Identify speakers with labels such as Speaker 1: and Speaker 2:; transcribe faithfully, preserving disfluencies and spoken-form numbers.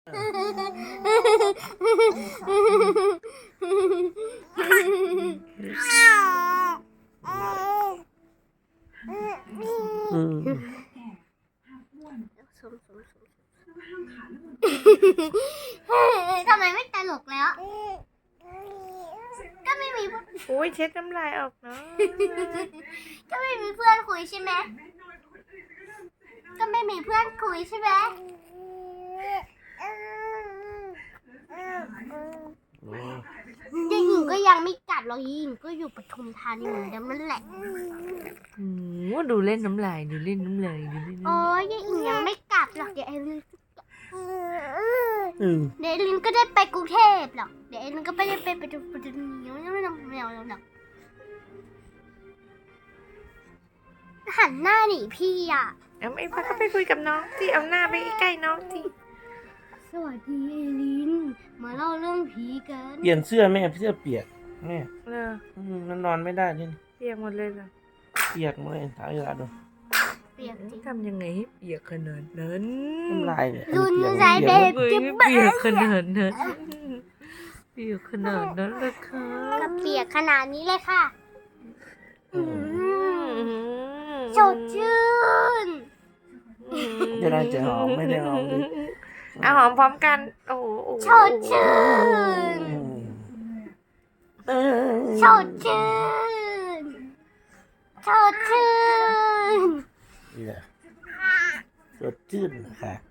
Speaker 1: ทำไมไม่ตลกแล้วก็ไม่มี
Speaker 2: โอ้ยเช็ดน้ำลายออกเนาะ
Speaker 1: ก็ไม่มีเพื่อนคุยใช่ไหมก็ไม่มีเพื่อนคุยใช่ไหมเด็กหญิงก็ยังไม่กลับหรอกหญิงก็อยู่ปทุมธานีเหมือนเดิมนั่นแหละ
Speaker 2: อืมดูเล่นน้ำลายดูเล่นน้ำลายดูเล่นน้ำลาย
Speaker 1: โอ้ยเด็กหญิงยังไม่กลับหรอกเดี๋ยวเอลินเดี๋ยวเอลินก็ได้ไปกรุงเทพหรอกเดี๋ยวเอลินก็ไม่ได้ไปปทุมธานีไม่ไม่ไม่เอาหรอกหันหน้าหนีพี่อ่ะ
Speaker 2: เอาไอ้พักก็ไปคุยกับน้องที่เอาหน้าไปใกล้ๆน้องที่
Speaker 1: สวัสดีเอลินมาเล่าเรื่องผีกัน
Speaker 3: เปลี่ยนเสื้อแม่เสื้อเปียกแม่
Speaker 2: เออ
Speaker 3: อืมมันนอนไม่ได้ด้วยนี่
Speaker 2: เปียกหมดเลยเหรอ
Speaker 3: เปียกหมดเลยถ่ายเวลาดู
Speaker 1: เปียกจริง
Speaker 2: ทำยังไงให้เปียกขนาดนั้น
Speaker 3: น้ำลายเนี่ย
Speaker 1: รุน
Speaker 3: เปียก
Speaker 1: ใจเบ
Speaker 3: เปียก
Speaker 1: บ
Speaker 2: เฮ้ยเปียกขนาดนั้นเปียกขนาดนั้นเลยค่ะ
Speaker 1: ก็เปียกขนาดนี้เลยค่ะ
Speaker 3: อืม
Speaker 1: สดชื่น
Speaker 3: จะได้จะหอมไม่ได้หอมเลย
Speaker 2: เอาหอมพร้อมกันโอ้โห
Speaker 1: สดชื่น
Speaker 3: อืมเออ
Speaker 1: สดชื่นสดชื่น
Speaker 3: นี่แหละสดชื่นค่ะ